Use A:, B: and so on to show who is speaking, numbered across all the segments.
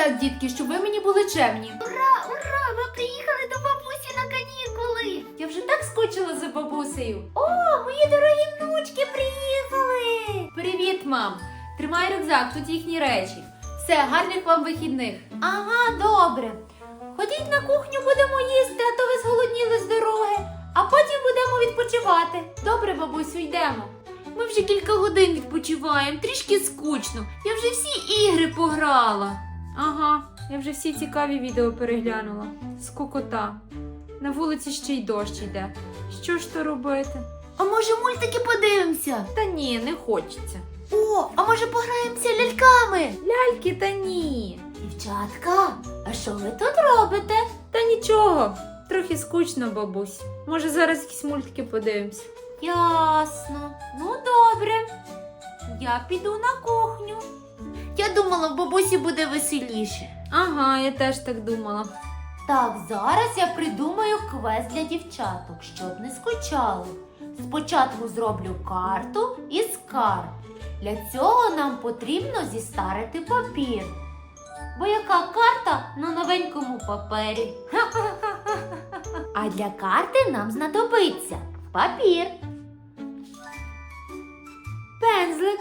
A: Так, дітки, щоб ви мені були чемні.
B: Ура, ура! Ми приїхали до бабусі на канікули!
A: Я вже так скучила за бабусею.
B: О, мої дорогі внучки приїхали!
A: Привіт, мам. Тримай рюкзак, тут їхні речі. Все, гарних вам вихідних.
B: Ага, добре. Ходіть на кухню, будемо їсти, а то ви зголодніли з дороги. А потім будемо відпочивати.
A: Добре, бабусю, йдемо. Ми вже кілька годин відпочиваємо, трішки скучно. Я вже всі ігри пограла. Ага, я вже всі цікаві відео переглянула. Скукота. На вулиці ще й дощ йде. Що ж то робити?
B: А може мультики подивимося?
A: Та ні, не хочеться.
B: О, а може пограємося ляльками?
A: Ляльки та ні.
B: Дівчатка, а що ви тут робите?
A: Та нічого, трохи скучно, бабусь. Може зараз якісь мультики подивимося.
B: Ясно. Ну добре. Я піду на кухню. Я думала, в бабусі буде веселіше.
A: Ага, я теж так думала.
B: Так, зараз я придумаю квест для дівчаток, щоб не скучали. Спочатку зроблю карту і скарб. Для цього нам потрібно зістарити папір. Бо яка карта на новенькому папері? А для карти нам знадобиться папір, пензлик,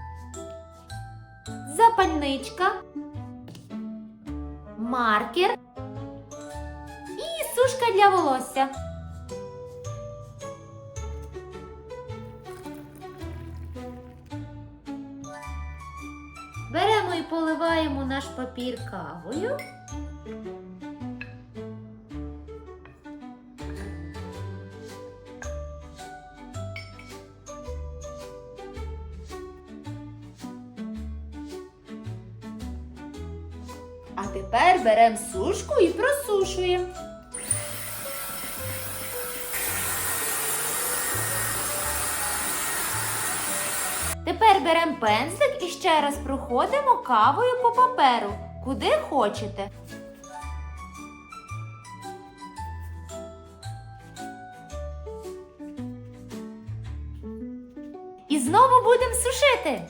B: запальничка, маркер і сушка для волосся. Беремо і поливаємо наш папір кавою. А тепер беремо сушку і просушуємо. Тепер беремо пензлик і ще раз проходимо кавою по паперу, куди хочете. І знову будемо сушити.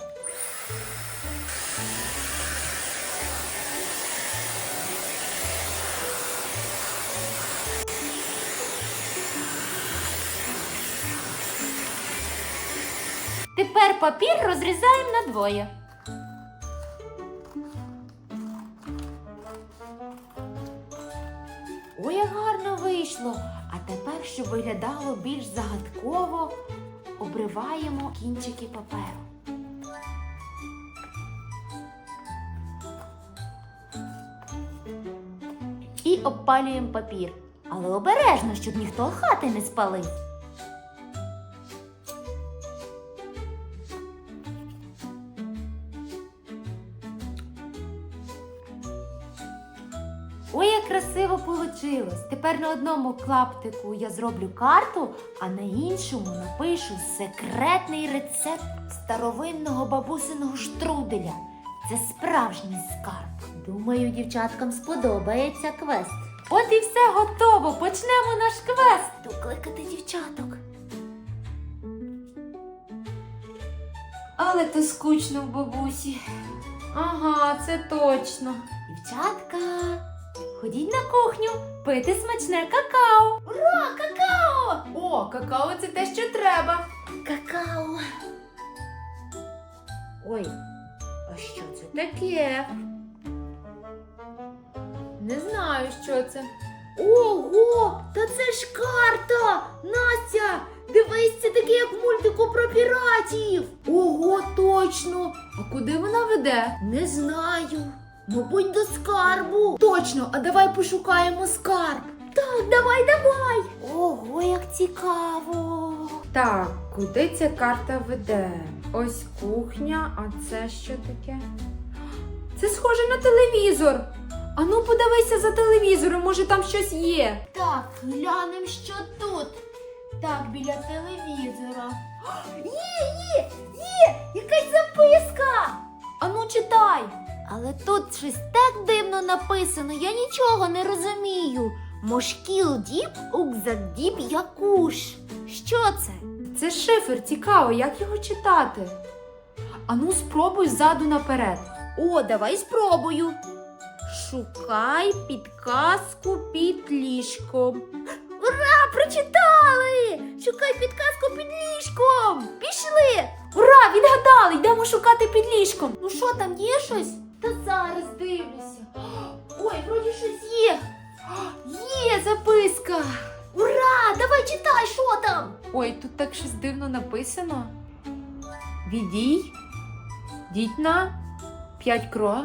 B: Тепер папір розрізаємо надвоє. Ой, як гарно вийшло! А тепер, щоб виглядало більш загадково, обриваємо кінчики паперу. І обпалюємо папір. Але обережно, щоб ніхто хати не спалив. Ой, як красиво получилось! Тепер на одному клаптику я зроблю карту, а на іншому напишу секретний рецепт старовинного бабусиного штруделя. Це справжній скарб. Думаю, дівчаткам сподобається квест. От і все готово! Почнемо наш квест! Докликати дівчаток.
A: Але то скучно в бабусі. Ага, це точно.
B: Дівчатка, ходіть на кухню, пити смачне какао. Ура, какао!
A: О, какао це те, що треба.
B: Какао.
A: Ой, а що це таке? Не знаю, що це.
B: Ого, та це ж карта! Настя, дивись, це таке, як в мультику про піратів. Ого, точно.
A: А куди вона веде?
B: Не знаю. Мабуть, до скарбу. Точно, а давай пошукаємо скарб. Так, давай. Ого, як цікаво.
A: Так, куди ця карта веде? Ось кухня, а це що таке? Це схоже на телевізор. Ану, подивися за телевізором, може там щось є.
B: Так, глянемо, що тут. Так, біля телевізора. Є! Якась записка! Ану, читай. Але тут щось так дивно написано, я нічого не розумію. Мошкіл діб, укзак діб, якуш. Що це?
A: Це шифр, цікаво, як його читати? Ану, спробуй ззаду наперед.
B: О, давай спробую.
A: Шукай підказку під ліжком. Ура! Прочитали! Шукай підказку під ліжком! Пішли! Ура! Відгадали! Йдемо шукати під ліжком. Ну що, там є щось? Та зараз дивлюся. Ой, вроді щось є. Є записка. Ура! Давай читай, що там? Ой, тут так щось дивно написано. Відій. Діть на 5 крок.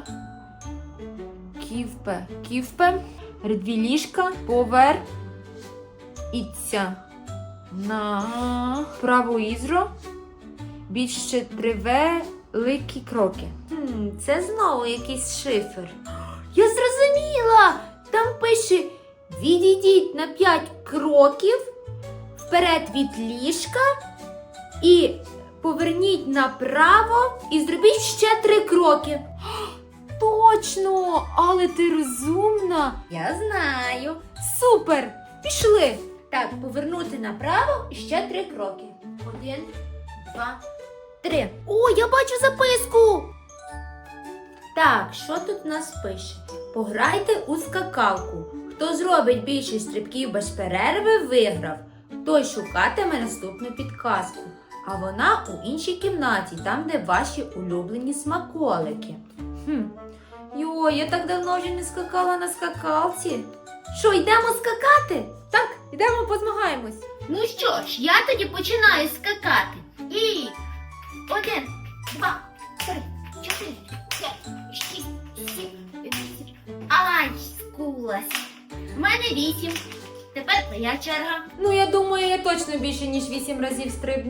A: Ківпе. Редві ліжка. Повер. Іця. На праву ізро. Більше 3 великі кроки. Це знову якийсь шифр. Я зрозуміла! Там пише: відійдіть на 5 кроків вперед від ліжка і поверніть направо і зробіть ще 3 кроки. Точно! Але ти розумна! Я знаю! Супер! Пішли! Так, повернути направо і ще 3 кроки. 1, 2, 3. О, я бачу записку! Так, що тут у нас пише? Пограйте у скакалку. Хто зробить більше стрибків без перерви, виграв. Той шукатиме наступну підказку. А вона у іншій кімнаті, там, де ваші улюблені смаколики. Йой, я так давно вже не скакала на скакалці. Що, йдемо скакати? Так, йдемо позмагаємось.
B: Ну що ж, я тоді починаю скакати. І 1, 2, 3, 4, 5, 6, 7, 8. Ай, скулась. В мене 8. Тепер твоя черга.
A: Ну, я думаю, я точно більше, ніж 8 разів стрибну.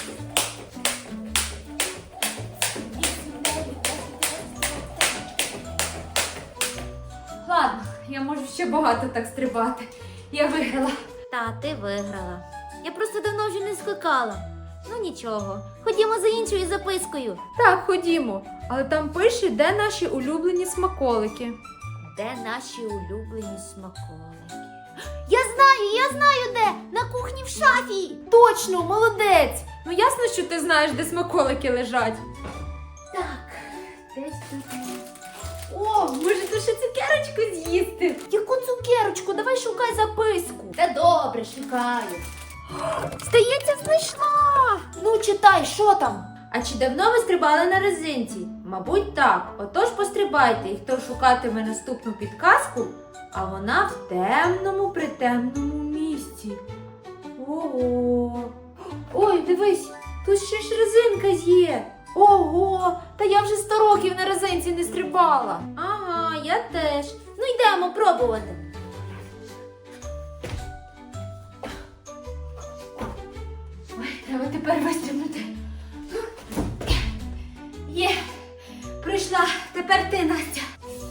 A: Ладно, я можу ще багато так стрибати. Я виграла.
B: Та, ти виграла. Я просто давно вже не скакала. Ну нічого, ходімо за іншою запискою.
A: Так, ходімо. Але там пише, де наші улюблені смаколики.
B: Де наші улюблені смаколики? Я знаю де! На кухні в шафі!
A: Точно, молодець! Ну ясно, що ти знаєш, де смаколики лежать.
B: Так, десь тут.
A: О, може тут ще цукерочку з'їсти?
B: Яку цукерочку? Давай шукай записку. Та добре, шукаю.
A: Здається, знайшла!
B: Ну, читай, що там?
A: А чи давно ви стрибали на резинці? Мабуть, так. Отож пострибайте, і хто шукатиме наступну підказку, а вона в темному, притемному місці. Ого! Ой, дивись, тут ще ж резинка є. Ого! Та я вже 100 років на резинці не стрибала. Ага, я теж.
B: Ну, йдемо пробувати.
A: Ой, треба тепер вистрибнути. Є! Прийшла. Тепер ти, Настя.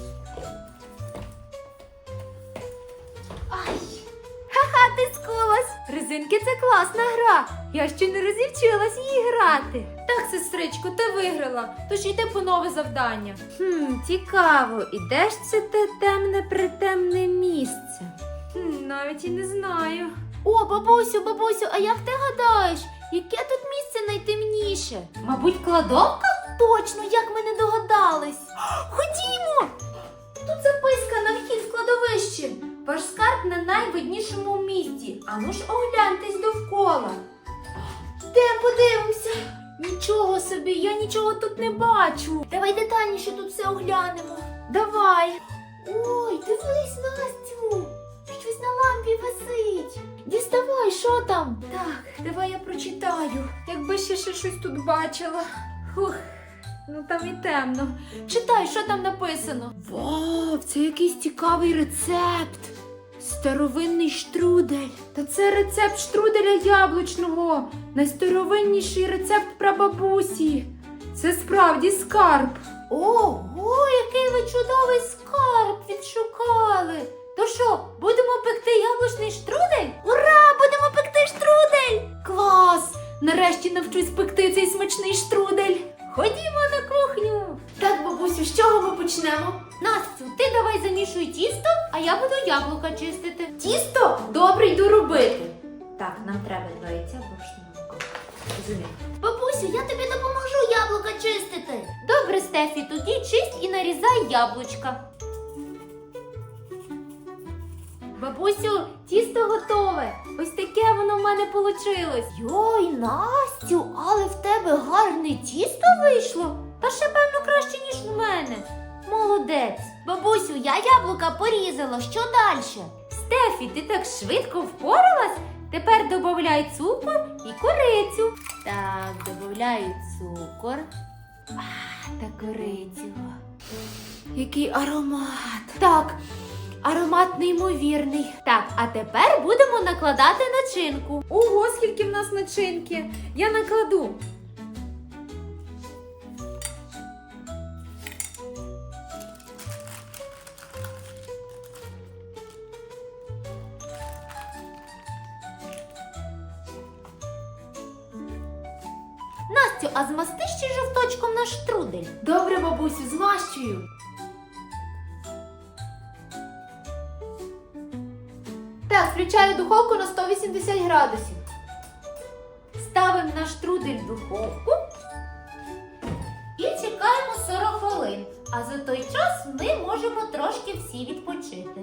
B: Ай,
A: Ха-ха, ти скулась. Резинки – це класна гра. Я ще не розівчилась її грати. Так, сестричко, ти виграла. Тож йди по нове завдання. Цікаво. І де ж це те темне притемне місце? Навіть і не знаю.
B: О, бабусю, а як ти гадаєш, яке тут місце найтемніше?
A: Мабуть, кладовка?
B: Точно, як ми не догадались.
A: Ходімо! Тут записка на вхід в кладовище. Ваш скарб на найвиднішому місці. Ану ж огляньтесь довкола.
B: Йдемо подивимося.
A: Нічого собі, я нічого тут не бачу.
B: Давай детальніше тут все оглянемо.
A: Давай.
B: Ой, дивись, Настю. Щось на лампі висить. Діставай, що там?
A: Так, давай я прочитаю. Якби ще щось тут бачила. Фух, ну там і темно. Читай, що там написано. Вау, це якийсь цікавий рецепт. Старовинний штрудель. Та це рецепт штруделя яблучного. Найстаровинніший рецепт прабабусі. Це справді скарб.
B: Ого, який ви чудовий скарб відшукали. То що, будемо пекти яблучний штрудель? Ура, будемо пекти штрудель!
A: Клас! Нарешті навчусь пекти цей смачний штрудель. Ходімо на кухню. Так, бабусю, з чого ми почнемо?
B: Настю, ти давай замішуй тісто, а я буду яблука чистити.
A: Тісто? Добре, йду робити. Так, нам треба 2 яйця, борошно. Розумію.
B: Бабусю, я тобі допоможу яблука чистити. Добре, Стефі, тоді чисть і нарізай яблучка.
A: Бабусю, тісто готове. Ось таке воно в мене получилось.
B: Йой, Настю, але в тебе гарне тісто вийшло.
A: Та ще, певно, краще, ніж в мене.
B: Молодець. Бабусю, я яблука порізала. Що далі?
A: Стефі, ти так швидко впоралась? Тепер додавай цукор і корицю.
B: Так, додаю цукор та корицю. Який аромат. Так, аромат неймовірний.
A: Так, а тепер будемо накладати начинку. Ого, скільки в нас начинки. Я накладу.
B: Настю, а змасти ще жовточком наш штрудель.
A: Добре, бабусю, змащую. Так, включаю духовку на 180 градусів. Ставимо наш трудель в духовку
B: І чекаємо 40 хвилин. А за той час ми можемо трошки всі відпочити.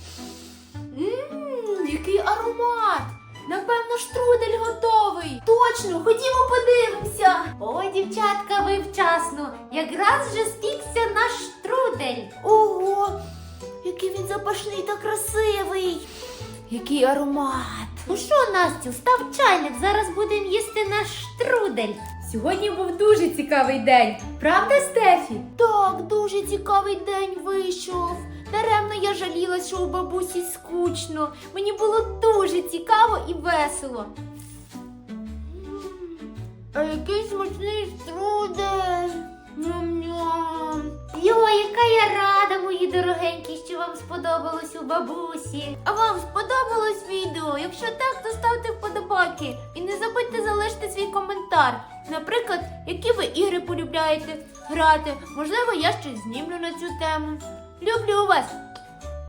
A: який аромат! Напевно, штрудель готовий.
B: Точно, ходімо подивимося. Ой, дівчатка, ви вчасно. Якраз вже спікся наш штрудель. Ого, який він запашний та красивий.
A: Який аромат!
B: Ну що, Настю, став чайник, зараз будемо їсти наш штрудель.
A: Сьогодні був дуже цікавий день. Правда, Стефі?
B: Так, дуже цікавий день вийшов. Даремно я жалілась, що у бабусі скучно. Мені було дуже цікаво і весело. А який смачний штрудель. Ням-ням. Йой, яка я рада, мої дорогенькі, що вам сподобалось у бабусі. А вам сподобалось відео? Якщо так, то ставте вподобайки. І не забудьте залишити свій коментар. Наприклад, які ви ігри полюбляєте грати. Можливо, я щось знімлю на цю тему. Люблю вас!